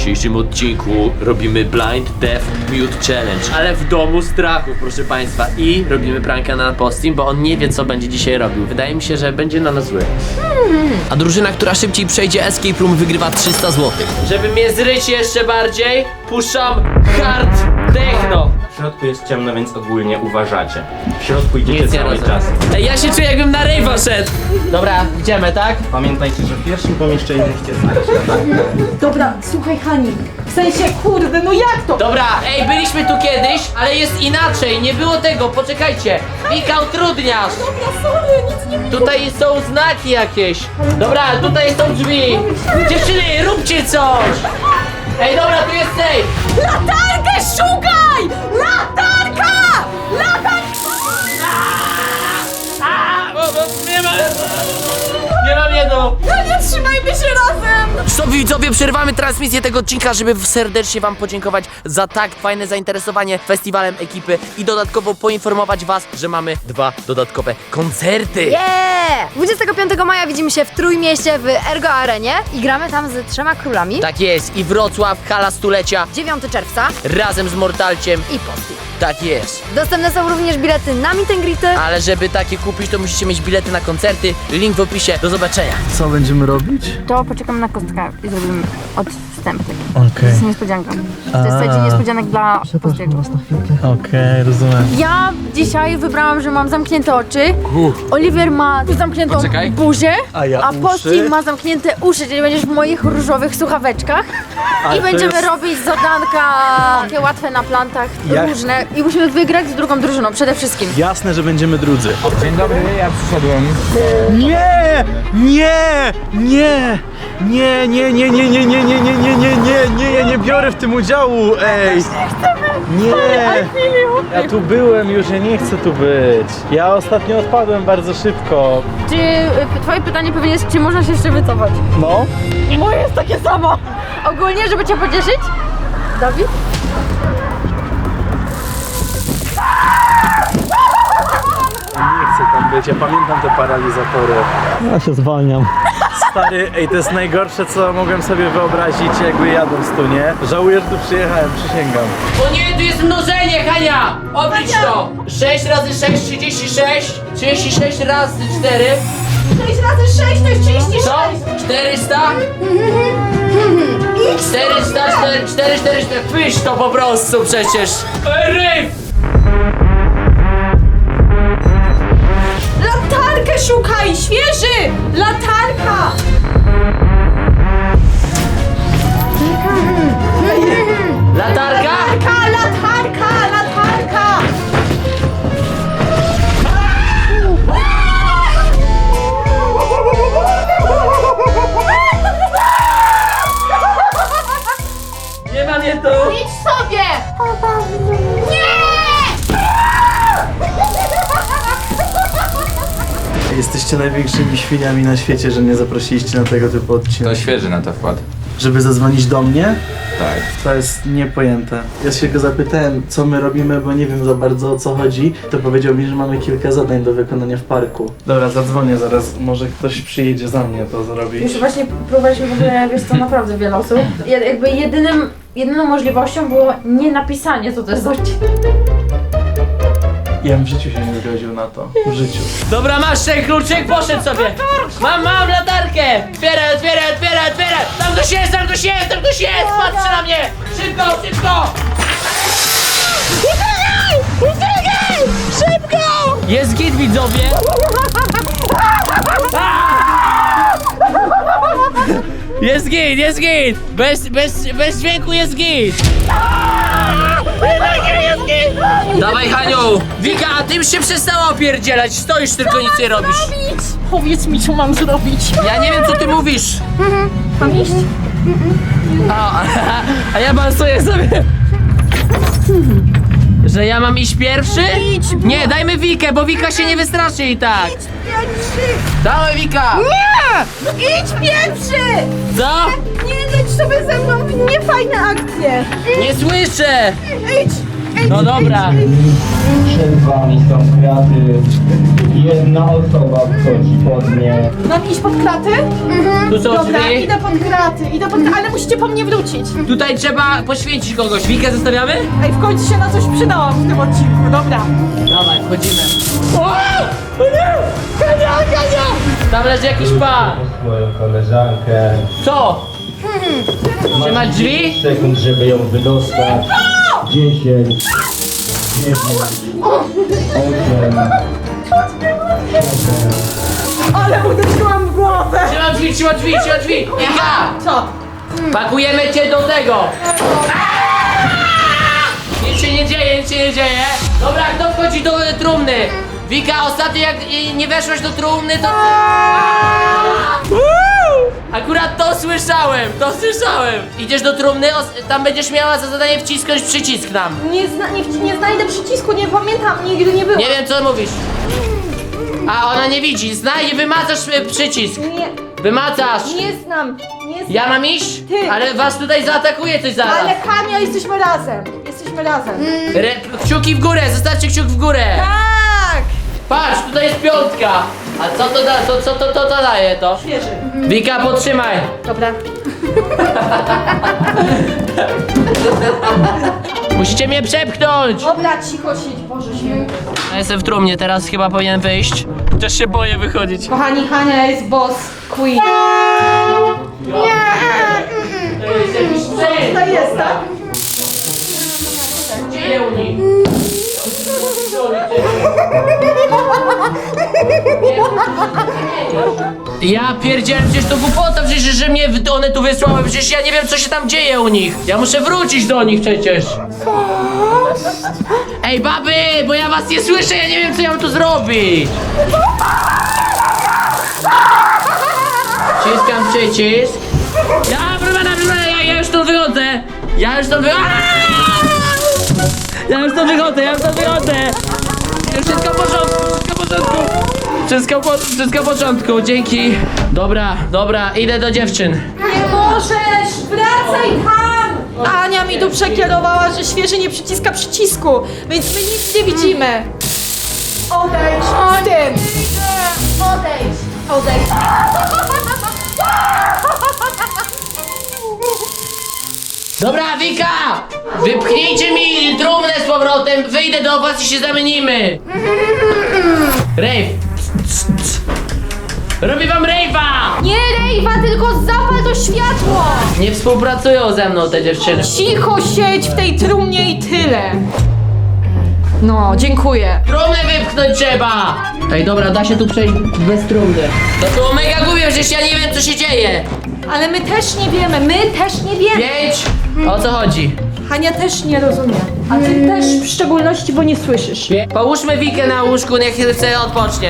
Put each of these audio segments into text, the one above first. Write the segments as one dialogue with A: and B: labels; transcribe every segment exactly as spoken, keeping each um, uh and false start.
A: dzisiejszym odcinku robimy Blind Death Mute Challenge, ale w domu strachu, proszę państwa. I robimy pranka na Postim, bo on nie wie, co będzie dzisiaj robił. Wydaje mi się, że będzie na nas zły. A drużyna, która szybciej przejdzie Escape Room, wygrywa trzysta złotych. Żeby mnie zryć jeszcze bardziej, puszczam hard techno.
B: W środku jest ciemno, więc ogólnie uważacie. W środku idziecie
A: Nic nie
B: cały
A: rozumiem.
B: czas.
A: Ej, ja się czuję, jakbym na rejwa szedł. Dobra, idziemy, tak?
B: Pamiętajcie, że w pierwszym pomieszczeniu musicie znaleźć latarkę.
C: Dobra, słuchaj Hani, w sensie kurde, no jak to?
A: Dobra, ej, byliśmy tu kiedyś, ale jest inaczej, nie było tego, poczekajcie. Wika, utrudniasz.
C: Dobra, sorry, nic nie widzę.
A: Tutaj są znaki jakieś. Dobra, tutaj są drzwi. Dziewczyny, róbcie coś. Ej, dobra, tu jest safe.
C: Latarkę szukaj! Latarka! Latarka!
A: A, bo, bo, nie ma... Nie mam jedną.
C: No nie trzymajmy się razem!
A: Stop, widzowie, przerwamy transmisję tego odcinka, żeby serdecznie wam podziękować za tak fajne zainteresowanie festiwalem ekipy i dodatkowo poinformować was, że mamy dwa dodatkowe koncerty.
D: Yeah! dwudziestego piątego maja widzimy się w Trójmieście w Ergo Arenie i gramy tam z trzema królami.
A: Tak jest, i Wrocław, hala stulecia,
D: dziewiątego czerwca
A: razem z Mortalciem.
D: i Posti.
A: Tak jest.
D: Dostępne są również bilety na meet and greety.
A: Ale żeby takie kupić, to musicie mieć bilety na koncerty. Link w opisie. Do zobaczenia.
E: Co będziemy robić?
F: To poczekamy na kostkę i zrobimy odstęp taki. To
E: Okej,
F: jest niespodzianka. To jest taki niespodzianek dla Postiego.
E: okej, rozumiem.
F: Ja dzisiaj wybrałam, że mam zamknięte oczy. Oliver ma zamkniętą
A: Poczekaj.
F: buzię,
E: A ja uszy?
F: Posti ma zamknięte uszy, czyli będziesz w moich różowych słuchaweczkach. I
E: to
F: będziemy
E: jest-
F: robić zadanka takie łatwe na plantach,
E: Jak?
F: różne. I musimy wygrać z drugą drużyną, przede wszystkim.
E: Jasne, że będziemy drudzy.
B: Dzień dobry, ja przyszedłem.
E: Nie! Nie! Nie! Nie, nie, nie, nie, nie, nie, nie, nie, nie, nie, nie, nie, ja nie biorę w tym udziału, ej! Nie! Ja tu byłem już, ja nie chcę tu być. Ja ostatnio odpadłem bardzo szybko.
F: Czy y, twoje pytanie pewnie jest, czy można się jeszcze wycofać?
E: No?
F: Moje jest takie samo. Ogólnie, żeby cię pocieszyć, Dawid?
E: Nie chcę tam być, ja pamiętam te paralizatory. Ja się zwalniam. Stary, ej, to jest najgorsze, co mogłem sobie wyobrazić, jakby jadąc tu, nie? Żałuję, że tu przyjechałem, przysięgam.
A: O nie, tu jest mnożenie, Hania! Oblicz to! sześć razy sześć, trzydzieści sześć. trzydzieści sześć razy cztery.
C: sześć razy sześć to jest trzydzieści
A: Co?
C: sześć!
A: czterysta? czterysta, cztery, cztery, cztery, cztery. Pysz to po prostu przecież. Ryf!
C: Latarkę szukaj, świeży! Latarka!
A: Latarka?
C: Latarka, latarka, latarka!
A: Nie ma mnie tu.
C: Idź sobie!
E: Jesteście największymi świniami na świecie, że nie zaprosiliście na tego typu odcinek.
B: To świeży na to wkład.
E: Żeby zadzwonić do mnie?
B: Tak.
E: To jest niepojęte. Ja się go zapytałem, co my robimy, bo nie wiem za bardzo, o co chodzi. To powiedział mi, że mamy kilka zadań do wykonania w parku. Dobra, zadzwonię zaraz. Może ktoś przyjedzie za mnie to zrobić.
F: Już właśnie próbowaliśmy w ogóle, wiesz co, naprawdę wiele osób. Ja- Jakby jedynym, jedyną możliwością było nie napisanie, co to jest za odcinek.
E: Ja bym w życiu się nie zgodził na to. W życiu.
A: Dobra, masz ten kluczyk, poszedł sobie. Mam, mam latarkę. Otwieraj, otwieraj, otwieraj, otwieraj. Tam ktoś jest, tam ktoś jest, tam ktoś jest. Patrzy na mnie. Szybko, szybko. Szybko! Jest git, widzowie. Jest git, jest git. Bez, bez, bez dźwięku jest git. Dawaj, Haniu! Wika, a ty już się przestała opierdzielać, stoisz tylko, nic nie robisz.
C: Powiedz mi, co mam zrobić.
A: Ja nie wiem, co ty mówisz.
F: Mam iść?
A: A, a ja balsuję sobie. Że ja mam iść pierwszy? Nie, dajmy Wikę, bo Wika się nie wystraszy i tak. Dawaj, Wika!
C: Idź pierwszy!
A: Co?
C: Nie leć sobie ze mną w niefajne akcje!
A: Nie słyszę!
C: Idź!
A: No dobra.
B: Przed wami są kwiaty.
G: Jedna osoba wchodzi pod nie.
C: Mam iść pod kraty?
A: Tu są
C: Dobra,
A: drzwi.
C: idę pod kraty, idę pod kraty, ale musicie po mnie wrócić.
A: Tutaj trzeba poświęcić kogoś. Wikę zostawiamy?
C: Ej, w końcu się na coś przydałam w tym odcinku, dobra.
A: Dawaj, wchodzimy. Tam leży jakiś pan.
G: Moją koleżankę.
A: Co? Trzymać drzwi?
G: Sekund, żeby ją wydostać. Dziesięć. Dziewięć. Osiem.
C: Ale uderzyłam w głowę.
A: Trzymam drzwi, trzymam drzwi, trzymam drzwi. Wika!
C: Co?
A: Pakujemy cię do tego. Nic się nie dzieje, nic się nie dzieje. Dobra, kto wchodzi do y, trumny? Wika, ostatnio jak y, nie weszłaś do trumny, to... Akurat to słyszałem, to słyszałem. Idziesz do trumny, os- tam będziesz miała za zadanie wcisnąć przycisk nam.
C: Nie, zna, nie, nie znajdę przycisku, nie pamiętam, nigdy nie było.
A: Nie wiem, co mówisz. A ona nie widzi, znaj i wymacasz y, przycisk.
C: Nie,
A: Wymacasz.
C: nie znam, nie znam.
A: Ja mam iść?
C: Ty.
A: Ale was tutaj zaatakuje coś zaraz.
C: Ale Hania, jesteśmy razem, jesteśmy razem.
A: Re, kciuki w górę, zostawcie kciuk w górę.
C: Tak!
A: Patrz, tutaj jest piątka. A co to da, to, co to, to, to daje to?
C: Świeży.
A: Wika, podtrzymaj.
C: Dobra.
A: Musicie mnie przepchnąć.
C: Dobra, cicho siedź, Boże święty.
A: Ja jestem w trumnie, teraz chyba powinien wyjść. Też się boję wychodzić.
C: Kochani, Hania jest boss queen.
A: To jest jakiś psy.
C: To jest, tak?
A: Gdzie u nich? Ja pierdzielę, przecież to głupota, przecież że mnie w- one tu wysłały, przecież ja nie wiem co się tam dzieje u nich. Ja muszę wrócić do nich przecież. Ej baby, bo ja was nie słyszę, ja nie wiem co ja mam tu zrobić. Wciskam przycisk. Ja, proszę pana, proszę pana, ja, ja już stąd wychodzę. Ja już stąd wychodzę. Ja już stąd wychodzę, ja już stąd wychodzę. Wszystko w porządku, wszystko w porządku. Wszystko, po, wszystko w porządku, dzięki. Dobra, dobra, idę do dziewczyn.
C: Nie możesz! Wracaj tam! Ania mi tu przekierowała, że świeży nie przyciska przycisku, więc my nic nie widzimy. Odejdź z tym!
D: Odejdź.
C: Odejdź.
A: Dobra, Wika! Wypchnijcie mi trumnę z powrotem, wyjdę do was i się zamienimy. Rave. Robię wam rave'a!
C: Nie rejwa, tylko zapal to światło!
A: Nie współpracują ze mną te dziewczyny.
C: Cicho siedź w tej trumnie i tyle. No, dziękuję.
A: Trumnę wypchnąć trzeba! Ej, dobra, da się tu przejść bez trumny. To było mega głupie, przecież ja nie wiem co się dzieje.
C: Ale my też nie wiemy, my też nie wiemy.
A: Pięć? O co chodzi?
C: Hania też nie rozumie. A ty też w szczególności, bo nie słyszysz.
A: Pie- Połóżmy Wikę na łóżku, niech chce odpocznie.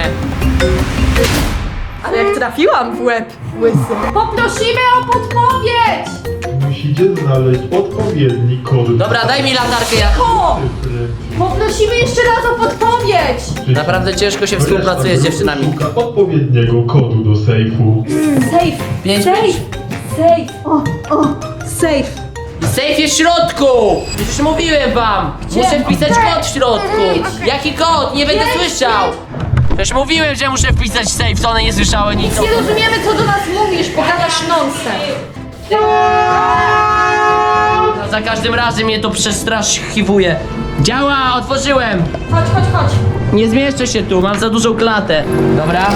C: Ale jak trafiłam w łeb, łysy. Poprosimy o podpowiedź!
H: Musicie znaleźć odpowiedni kod.
A: Dobra, daj mi latarkę, ja...
C: O! Poprosimy jeszcze raz o podpowiedź!
A: Naprawdę ciężko się współpracuje z dziewczynami.
H: Szuka odpowiedniego kodu do sejfu.
C: Safe!
A: Pięć,
C: Safe!
A: pięć.
C: Safe! O, o! Safe!
A: Safe jest w środku! Przecież mówiłem wam! Muszę wpisać kod w środku! Jaki kod? Nie będę słyszał! Przecież mówiłem, że muszę wpisać safe, to one nie słyszały nic.
C: Nie rozumiemy, co do nas mówisz, pogadasz nonsens.
A: No, za każdym razem mnie to przestraschiwuje. Działa, otworzyłem!
C: Chodź, chodź, chodź.
A: Nie zmieszczę się tu, mam za dużą klatę. Dobra.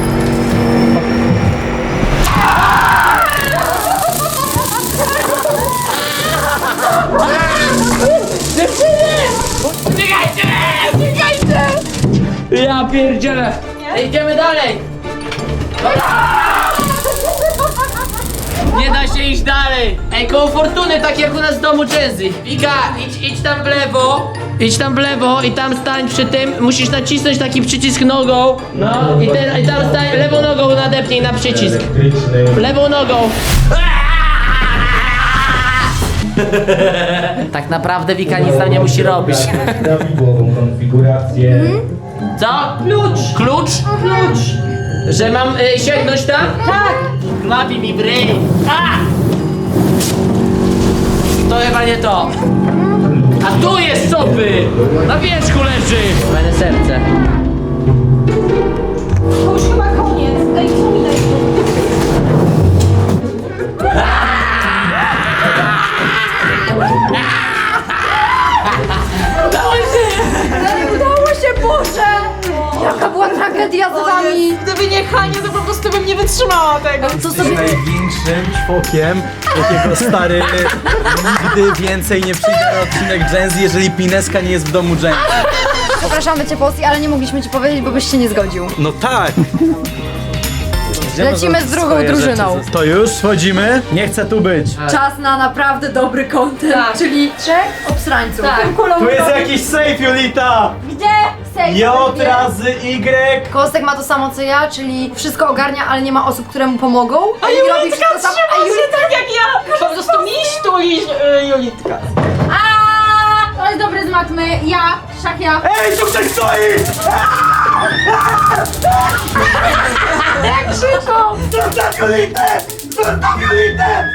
A: Biegajcie! Biegajcie! Ja pierdzielę! Idziemy dalej! Nie da się iść dalej! Ej, koło fortuny, tak jak u nas w domu Jazzy. Wika, idź, idź tam w lewo. Idź tam w lewo i tam stań przy tym. Musisz nacisnąć taki przycisk nogą. No i, te, i tam stań, lewą nogą nadepnij na przycisk.
G: Elektryczny.
A: Lewą nogą. Tak naprawdę Wika nic tam nie musi robić.
G: Prawidłową konfigurację.
A: Co? Klucz! Klucz?
C: Klucz.
A: Że mam y, sięgnąć tam?
C: Tak.
A: Klapi mi w ryj. A! To chyba nie to. A tu jest sopy! Na wierzchu leży! Fajne serce.
C: To już chyba koniec. Ej, co mi daj?
D: Udało się, Boże! Jaka była tragedia z wami!
C: Gdyby nie Hania, to po prostu bym nie wytrzymała tego.
D: Co
E: Jesteś
D: sobie...
E: największym czwokiem, jakiego stary nigdy więcej nie przyjdzie na odcinek Gen Z, jeżeli Pineska nie jest w domu Gen Z.
D: Przepraszamy cię, Posti, ale nie mogliśmy ci powiedzieć, bo byś się nie zgodził.
E: No tak!
D: Lecimy z drugą
E: Swoje
D: drużyną.
E: rzeczy. To już wchodzimy? Nie chcę tu być.
D: Czas na naprawdę dobry content,
C: Tak.
D: czyli trzech obsrańców.
C: Tak.
E: Tu jest jakiś safe, Julita!
D: Gdzie? Sejf.
E: J razy Y.
D: Kostek ma to samo co ja, czyli wszystko ogarnia, ale nie ma osób, które mu pomogą. A robi wszystko sam. A Julita
C: tak jak ja. Po prostu miś tu liś, y, Julitka.
F: A, to jest dobry z matmy. Ja, Szakia.
E: Ej, tu ktoś stoi!
C: Jak szybko.
E: Zostaw Julitę! Zostaw Julitę!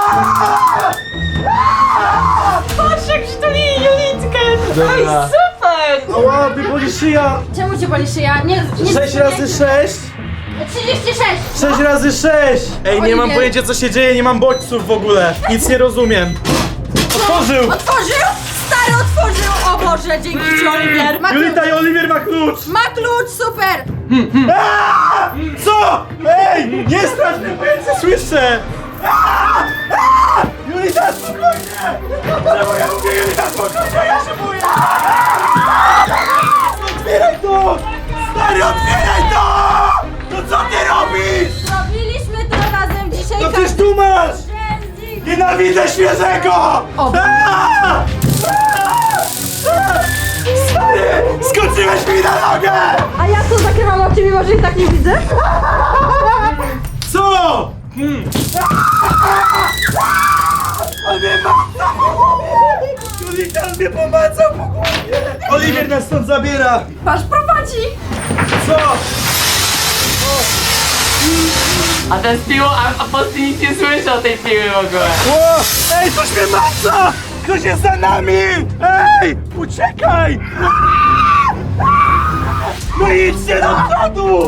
C: Patrz jak przytuli Julitkę.
E: Dobra.
C: Ej, super.
E: Ała, ty boli szyja!
F: Czemu cię boli szyja? Nie, nie
E: sześć razy sześć!
F: trzydzieści sześć.
E: sześć razy sześć! Ej, nie mam
F: Oliwier.
E: pojęcia co się dzieje, nie mam bodźców w ogóle. Nic nie rozumiem. Otworzył!
C: Otworzył? Stary otworzył. O Boże, dzięki ci, Oliwier. Ma,
E: Julita i Oliwier ma klucz!
C: ma klucz, super.
E: Aaa! Co? Ej! Nie strasz mnie, bo ja nic nie słyszę! Aaa! Aaa! Julita, spokojnie! Czemu ja mówię Julita, spokojnie? Ja się boję! Aaa! Otwieraj to! Stary, otwieraj to! No co ty robisz?
C: Robiliśmy to razem dzisiaj.
E: No przecież tu masz! Nienawidzę świeżego! Aaa! Aaa! Stary! Skoczyłeś mi na nogę!
C: A ja to zakrywam oczy, mimo że i tak nie widzę.
E: Co? Hmm. On mnie macał po głowie! Julita mnie pomacał po głowie! Oliwier nas stąd zabiera!
C: Patrz, prowadzi.
E: Co?
A: A ten z piłą, a, a Posty nic nie słyszy o tej piły w ogóle.
E: O! Ej, ktoś mnie maca! Ktoś jest za nami! Ej! Uciekaj! No idźcie do przodu!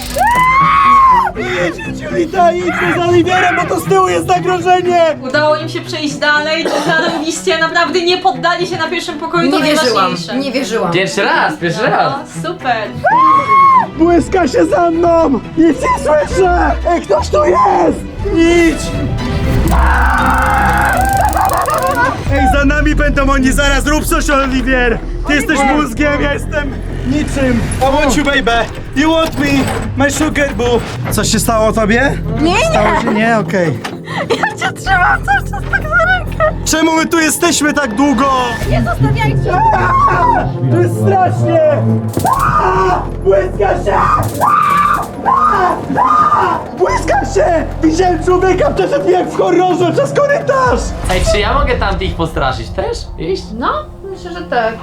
E: Idźcie, Julita, idźcie za Oliwierem, bo to z tyłu jest zagrożenie!
C: Udało im się przejść dalej, zarobiście, naprawdę nie poddali się na pierwszym pokoju, to
D: Nie wierzyłam,
C: najważniejsze.
D: nie wierzyłam.
A: Pierwszy raz, pierwszy raz.
C: O, super.
E: Błyska się za mną! Nic nie słyszę! Ej, ktoś tu jest! Idź! Ej, za nami będą oni zaraz, rób coś, Oliwier! Ty jesteś mózgiem, ja jestem niczym! I want you, baby! You want me! My sugar boo! Coś się stało tobie?
C: Nie,
E: Stało
C: nie.
E: się? Nie, okej.
C: Ja cię trzymam cały czas tak za rękę.
E: Czemu my tu jesteśmy tak długo?
C: Nie zostawiajcie.
E: To jest strasznie! Aaa! Błyska się! Aaa! Aaa! Błyska się! Widziałem człowieka, przeszedł jak w horrorze przez korytarz!
A: Ej, czy ja mogę tamtych postraszyć też? Iść?
F: No, myślę, że tak.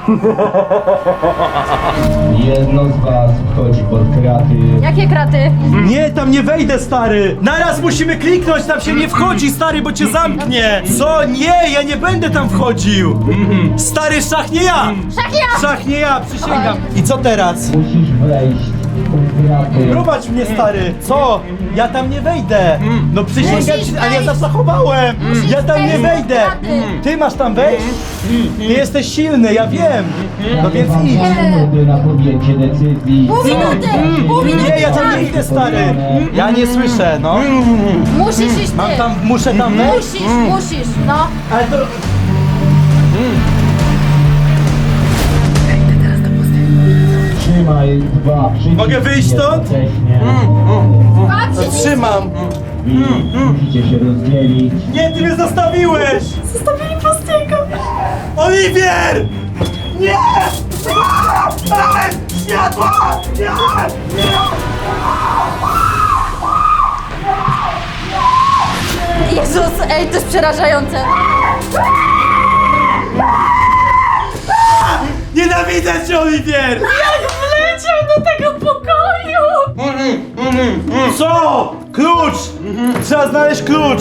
G: Jedno z was wchodzi pod kraty.
F: Jakie kraty?
E: Nie, tam nie wejdę, stary! Naraz musimy kliknąć, tam się nie wchodzi, stary, bo cię zamknie! Co? Nie, ja nie będę tam wchodził! Stary, szach nie ja!
F: Szach ja!
E: Szach nie ja, przysięgam! I co teraz?
G: Musisz wejść pod kraty.
E: Prowadź mnie, stary! Co? Ja tam nie wejdę! No przysięgam
F: Musisz
E: ci, ale ja
F: wejść.
E: zaszachowałem! Ja tam nie
F: wejść
E: wejdę!
F: pod kraty.
E: Ty masz tam wejść? Ty jesteś silny, ja wiem! No więc idź!
G: Minuty na podjęcie decyzji.
F: Pół minuty! Pół minuty!
E: Nie, ja tam nie idę, stary! Ja nie słyszę, no!
F: Musisz iść
E: Mam
F: ty!
E: tam, muszę tam wejść?
F: Musisz, musisz, no.
E: Ale to...
G: Trzymaj dwa przyciski.
E: Mogę wyjść stąd?
G: jednocześnie.
F: Patrz,
E: Trzymam!
G: Musicie się rozdzielić.
E: Nie, ty mnie zostawiłeś!
C: Zostawili Postiego.
E: Oliwier! Nie! Ej, światło! Nie! Nie!
F: Jezus, ej, to jest przerażające.
E: Nienawidzę cię, Oliwier!
C: Jak wleciał do tego pokoju.
E: Co? Klucz! Trzeba znaleźć klucz!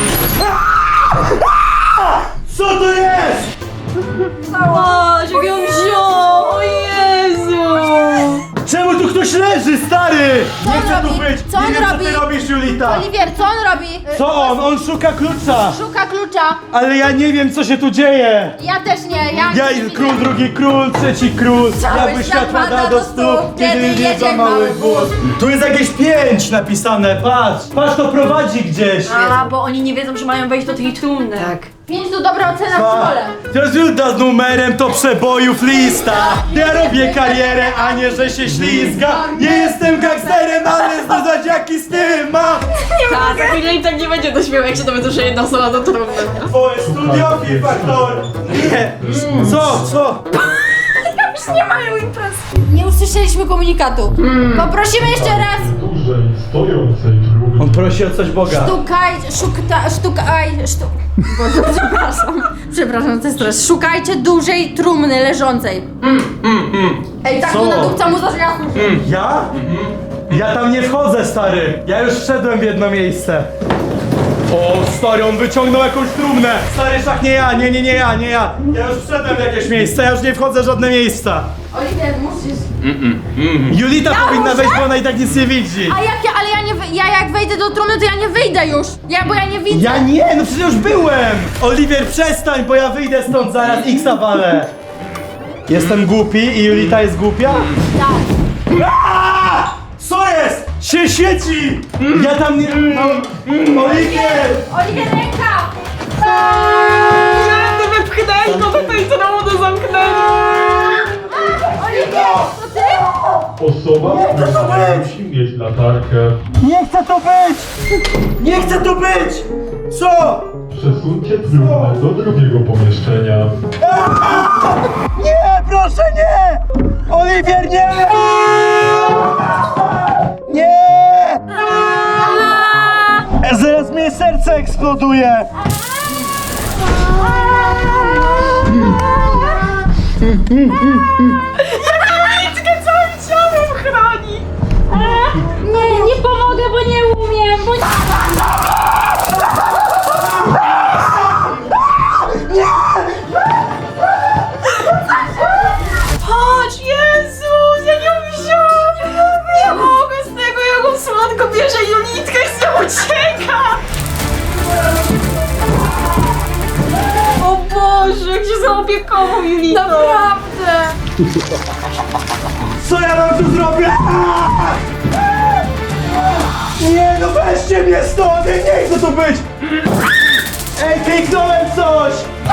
E: Co to jest?
C: Patrz, jak ją wziął. O Jezu.
E: Czemu tu ktoś leży, stary? tu
C: robi?
E: być!
C: Co
E: Nie
C: on
E: wiem,
C: robi?
E: co ty robisz, Julita!
C: Oliwier, co on robi?
E: Co on? On szuka klucza!
C: Szuka klucza.
E: Ale ja nie wiem, co się tu dzieje!
C: Ja też nie, ja
E: Ja
C: nic
E: i
C: nie
E: król,
C: widzę.
E: drugi król, trzeci król!
C: Cały
E: Jakby
C: świat
E: światła
C: pada
E: da
C: do
E: do stóp, kiedy
C: kiedy
E: jedzie
C: jedzie
E: mały
C: mały
E: wóz! Tu jest jakieś pięć napisane, patrz! Patrz, to prowadzi gdzieś!
F: A, bo oni nie wiedzą, że mają wejść do tej trumny. Tak.
C: Pięć to dobra ocena w szkole.
E: Teraz Julita z numerem to przebojów lista. Ja robię karierę, a nie, że się ślizga. Nie jestem gangsterem, ale znać jaki styl mam.
F: Tak, za chwilę im tak nie będzie do śmiechu, jak się dowiedzą, że jedna osoba do trumny.
E: Twoje studiofil, faktor. Nie. Co, co?
F: Już nie mają imprez.
C: Nie usłyszeliśmy komunikatu. Poprosimy jeszcze raz.
H: Dużej, stojącej trumny.
E: On prosi o coś Boga.
C: Szukaj, szukta, sztukaj, sztu... Boże, przepraszam. Przepraszam, to jest stres. Szukajcie dużej trumny leżącej. Ej, tak
E: Co?
C: mu nadupca mu zacznie jasno.
E: Ja? Ja tam nie wchodzę, stary. Ja już wszedłem w jedno miejsce. O, stary, on wyciągnął jakąś trumnę. Stary, szach, nie ja, nie, nie, nie ja, nie ja. Ja już wszedłem w jakieś miejsce, ja już nie wchodzę w żadne miejsca.
C: Oliwier, musisz.
E: Julita powinna wejść, bo ona i tak nic nie widzi.
C: A jak ja, ale ja nie, wy- ja jak wejdę do trumny, to ja nie wyjdę już. Ja, bo ja nie widzę.
E: Ja nie, no przecież już byłem! Oliwier, przestań, bo ja wyjdę stąd zaraz, X-a walę. Jestem głupi i Julita jest głupia?
C: Tak.
E: Aaa! Co jest? Się świeci! Ja tam nie... No, Oliwier!
C: Oliwier, ręka!
F: Ja to wypchnęli, no to i to do zamknęli.
C: Oliwier, to ty?
H: Osoba, która musi mieć latarkę.
E: Nie chcę tu być! Nie chcę tu być! Co?
H: Przesuńcie trumnę do drugiego pomieszczenia.
E: Nie, proszę nie! Oliwier, nie! Nie! Zaraz mnie serce eksploduje!
C: Nie, nie pomogę, bo nie umiem, bo nie...
F: Chodź, Jezus, ja nie wziąłem. Nie mogę z tego, jak on słodko bierze Julitkę i z nią ucieka. O Boże, jak się zaopiekował Julitą.
C: Naprawdę!
E: Co ja mam tu zrobić? Nie, no weźcie mnie stąd! Ja nie chcę tu być! Ej, kliknąłem coś!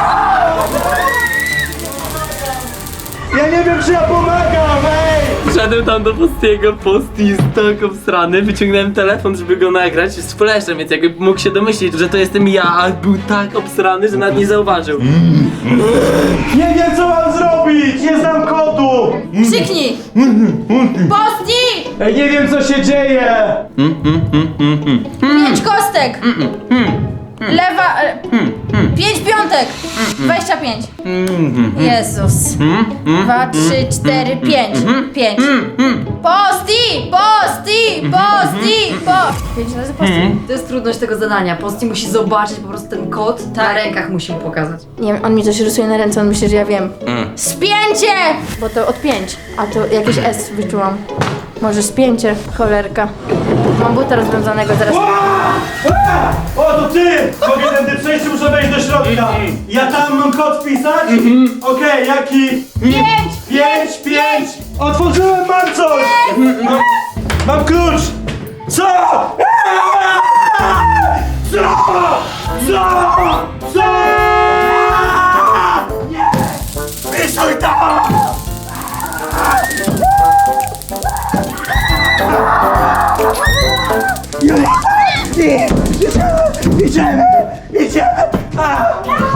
E: Ja nie wiem, czy ja pomagam, ej!
A: Wszedłem tam do Postiego, Posty jest tak obsrany, wyciągnąłem telefon, żeby go nagrać z flashem, więc jakby mógł się domyślić, że to jestem ja, a był tak obsrany, że nawet nie zauważył.
E: Nie wiem, co mam zrobić! Nie znam kodu!
C: Krzyknij! Posti!
E: Ej, nie wiem, co się dzieje!
C: Pięć kostek! Lewa... e, Pięć piątek! Dwadzieścia pięć! Jezus! Dwa, trzy, cztery, pięć! Pięć! Posti! Posti! Posti! Po... Pięć razy posti.
F: To jest trudność tego zadania. Posti musi zobaczyć po prostu ten kod, na rękach musi mu pokazać.
C: Nie wiem, on mi coś rysuje na ręce, on myśli, że ja wiem. Spięcie! Bo to od pięć, a to jakieś S wyczułam. Może spięcie, cholerka. Mam buta rozwiązanego, zaraz...
E: O, to ty! Mogę tędy przejść, muszę wejść do środka. Ja tam mam kod wpisać? Okej, jaki?
C: Pięć!
E: Pięć, pięć! Otworzyłem, mam coś! Mam, mam klucz! Co? Co? Co? Co? Nie! Wysuj to! Nie! Idziemy! Idziemy! Idziemy! A!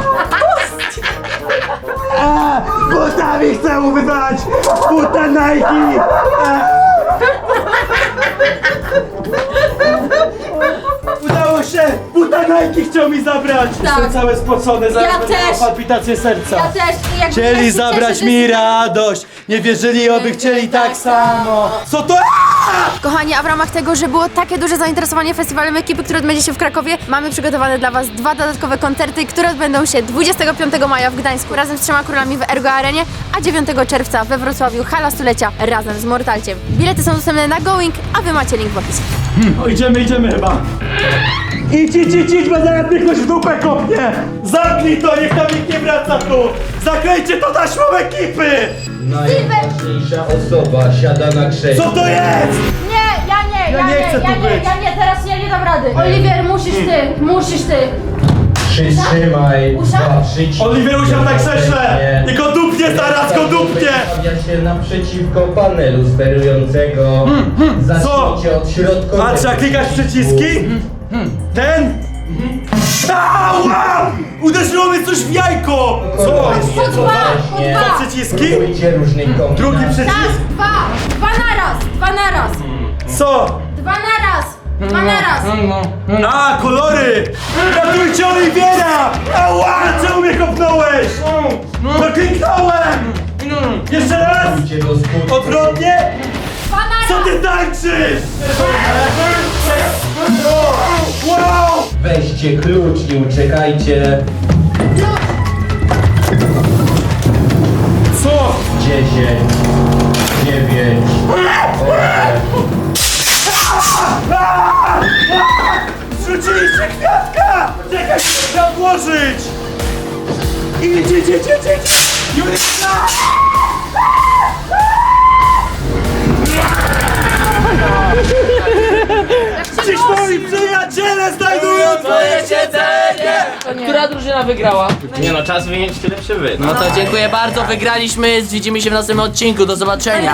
E: A! Butami chcę ubywać! Buta Nike! A! Udało się! buta Nike chciał mi zabrać! Jestem cały spocony, zaraz
C: Ja
E: będę miał
C: też.
E: palpitację serca.
C: Ja też. I jakby ja
E: Chcieli
C: się
E: zabrać
C: cieszę,
E: mi
C: że-
E: radość, nie wierzyli, oby chcieli tak samo. Co to? Aaa!
D: Kochani, a w ramach tego, że było takie duże zainteresowanie festiwalem ekipy, który odbędzie się w Krakowie, mamy przygotowane dla Was dwa dodatkowe koncerty, które odbędą się dwudziestego piątego maja w Gdańsku razem z Trzema Królami w Ergo Arenie, a dziewiątego czerwca we Wrocławiu Hala Stulecia razem z Mortalciem. Bilety są dostępne na Going, a Wy macie link w opisie.
E: O, idziemy, idziemy chyba. Idź, idź, idź, idź, bo zaraz mnie ktoś w dupę kopnie! Zamknij to, niech tam nikt nie wraca tu! Zaklejcie to taśmą ekipy!
G: Najważniejsza osoba siada na krześle.
E: Co to jest?
C: Nie, ja nie,
E: Ja
C: ja,
E: nie
C: nie,
E: chcę
C: ja
E: tu
C: nie,
E: być.
C: ja nie, teraz ja nie dam rady. Oliwier, musisz ty, musisz ty.
G: Przytrzymaj
C: Usiadł?
G: dwa przyciski.
E: Oliwier usiadł na krześle!
G: Nie.
E: I go dupnie zaraz, go dupnie!
G: Wystawia się naprzeciwko panelu sterującego. Zacznijcie od środkowego.
E: A trzeba klikać przyciski? Ten? Ała! Uderzyło mnie coś w jajko! Co?
C: Po dwa, po
G: Nie.
C: dwa.
E: Dwa przyciski?
G: Spróbujcie różnych kombinacji.
E: Drugi przycisk?
C: Tak, dwa, dwa na raz, dwa na raz,
E: Co?
C: dwa na raz, dwa na raz.
E: A, kolory! Ratujcie Oliwiera! Ała! Czemu mnie kopnąłeś? No kliknąłem! Jeszcze raz!
G: Spróbujcie do skutku.
E: Odwrotnie?
C: Dwa na
E: Co
C: raz.
E: ty tańczysz? Wow!
G: Weźcie klucz i uciekajcie.
E: Co?
G: dziesięć, dziewięć, osiem.
E: Zrzuciliście kwiatka! Czekaj, chcę odłożyć! Idź, idź, idź, idź, idź! Julita! Dziś moi przyjaciele znajdują twoje siedzenie!
A: Która drużyna wygrała?
B: Nie no, czas wyjąć tyle przy wy.
A: No to dziękuję bardzo, wygraliśmy, widzimy się w następnym odcinku, do zobaczenia.